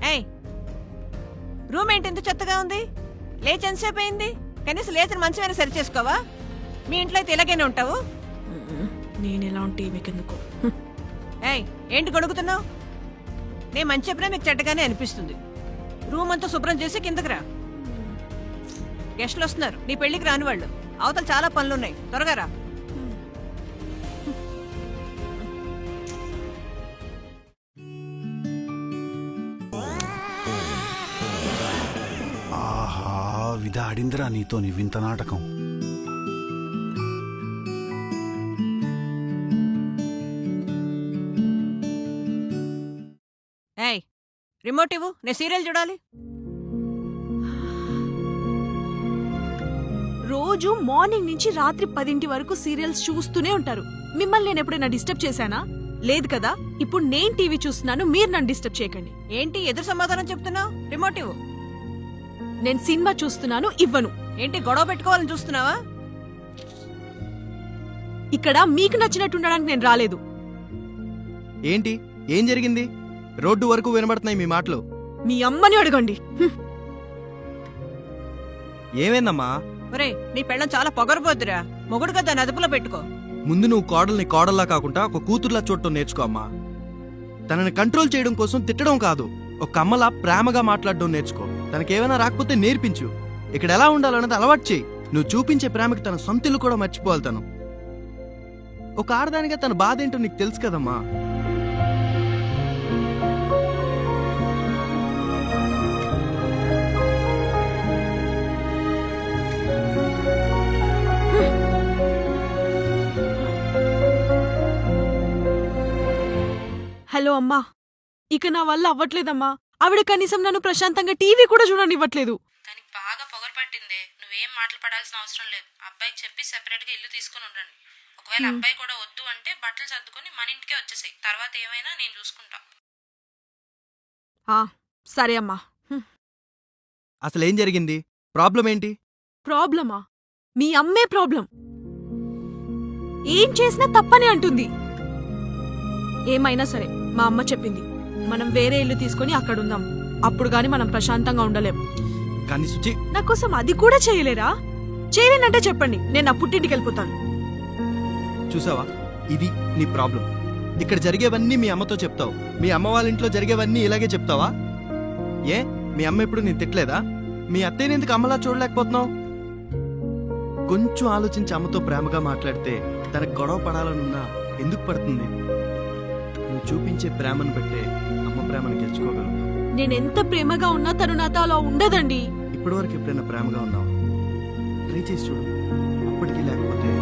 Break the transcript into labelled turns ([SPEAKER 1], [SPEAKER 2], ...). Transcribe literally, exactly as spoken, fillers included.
[SPEAKER 1] ఏయ్, రూమ్ ఏంటి ఇంత చెత్తగా ఉంది? లేచి ఎంతసేపు అయింది? కనీసం లేచిన మంచమైనా సరి చేసుకోవా? మీ ఇంట్లో అయితే ఇలాగైనా ఉంటావు?
[SPEAKER 2] నేను ఎలా ఉంటే మీకెందుకు?
[SPEAKER 1] ఏయ్, ఏంటి గొడుగుతున్నావు? నేను మంచి చెప్పినా మీకు చెడ్డగానే అనిపిస్తుంది. రూమ్ అంతా శుభ్రం చేసి కిందకి రా. గెస్టులు వస్తున్నారు, నీ పెళ్లికి రాని వాళ్ళు. అవతల చాలా పనులున్నాయి, త్వరగా రా.
[SPEAKER 3] ఆహా, విధాడిందిరా నీతో నీ వింత నాటకం.
[SPEAKER 1] ఏయ్, రిమోట్ ఇవ్వు, నేను సీరియల్ చూడాలి.
[SPEAKER 2] రోజు మార్నింగ్ నుంచి రాత్రి పదింటి వరకు సీరియల్స్ చూస్తూనే ఉంటారు. మిమ్మల్ని నేను ఎప్పుడైనా డిస్టర్బ్ చేశానా? లేదు కదా. ఇప్పుడు నేను టీవీ చూస్తున్నాను, మీరు నన్ను డిస్టర్బ్ చేయకండి.
[SPEAKER 1] ఏంటి ఎదురు సమాధానం చెప్తున్నావు? రిమోట్ ఇవ్వు.
[SPEAKER 2] నేను సినిమా చూస్తున్నాను, ఇవ్వను.
[SPEAKER 1] ఏంటి గొడవ పెట్టుకోవాలని చూస్తున్నావా?
[SPEAKER 2] ఇక్కడ మీకు నచ్చినట్టు ఉండడానికి నేను రాలేదు.
[SPEAKER 4] ఏంటి ఏం జరిగింది? రోడ్డు వరకు వినబడుతున్నాయి మీ మాటలు.
[SPEAKER 2] మీ అమ్మని అడగండి. హ్మ్.
[SPEAKER 4] ఏమైందమ్మా?
[SPEAKER 1] ఒరే, నీ పెళ్ళం చాలా పొగరబోద్దురా. మొగుడుగా దాన్ని అదుపులో పెట్టుకో.
[SPEAKER 4] ముందు నువ్వు కోడల్ని కోడల్లా కాకుండా ఒక కూతుర్లా చూడటం నేర్చుకో అమ్మా. తనని కంట్రోల్ చేయడం కోసం తిట్టడం కాదు, ఒక అమ్మలా ప్రేమగా మాట్లాడడం నేర్చుకో. తనకేమైనా రాకపోతే నేర్పించు. ఇక్కడ ఎలా ఉండాలన్నది అలవాటు చేయి. నువ్వు చూపించే ప్రేమకి తన సొంతిల్లు కూడా మర్చిపోవాలి. తను ఒక ఆడదానిగా తన బాధ ఏంటో నీకు తెలుసు కదమ్మా.
[SPEAKER 2] హలో అమ్మా, ఇక నా వల్ల అవ్వట్లేదమ్మా. ఆవిడ కనీసం నన్ను ప్రశాంతంగా టీవీ కూడా చూడనివ్వట్లేదు.
[SPEAKER 5] దానికి బాగా పొగరు పట్టిందే. నువ్వేం మాటలు పడాల్సిన అవసరం లేదు. అబ్బాయికి చెప్పి సెపరేట్ గా ఇల్లు తీసుకుని ఉండండి. ఒకవేళ అబ్బాయి కూడా వద్దు అంటే బట్టలు సర్దుకొని మన ఇంటికే వచ్చేసాయి. తర్వాత ఏమైనా నేను చూసుకుంటా.
[SPEAKER 2] ఆ సరే అమ్మా. హ్మ్.
[SPEAKER 4] అసలు ఏం జరిగింది? ప్రాబ్లం ఏంటి?
[SPEAKER 2] ప్రాబ్లమా? మీ అమ్మే ప్రాబ్లం. ఏం చేసినా తప్పనే అంటుంది. ఏమైనా సరే, మా అమ్మ చెప్పింది, మనం వేరే ఇల్లు తీసుకుని అక్కడుందాం. అప్పుడు గాని మనం ప్రశాంతంగా ఉండలేం.
[SPEAKER 4] కానీ సుచి,
[SPEAKER 2] నా కోసం అది కూడా చేయలేరా? చేయలేనంటే చెప్పండి, నేను నా పుట్టింటికి వెళ్ళిపోతాను.
[SPEAKER 4] చూసావా, ఇది నీ ప్రాబ్లం. ఇక్కడ జరిగేవన్నీ మీ అమ్మతో చెప్తావు. మీ అమ్మ వాళ్ళ ఇంట్లో జరిగేవన్నీ ఇలాగే చెప్తావా? ఏ, మీ అమ్మ ఎప్పుడు నేను తిట్టలేదా? మీ అత్తయ్యని ఎందుకు అమ్మలా చూడలేకపోతున్నావు? కొంచెం ఆలోచించి అమ్మతో ప్రేమగా మాట్లాడితే తనకు గొడవ పడాలనున్నా ఎందుకు పడుతుంది? నువ్వు చూపించే ప్రేమను బట్టే అమ్మ ప్రేమను గెలుచుకోగలవు.
[SPEAKER 2] నేనెంత ప్రేమగా ఉన్నా తను నాతో అలా ఉండదండి.
[SPEAKER 4] ఇప్పటివరకు ఎప్పుడైనా ప్రేమగా ఉన్నావు? ట్రై చేసి చూడు. అప్పటికీ లేకపోతే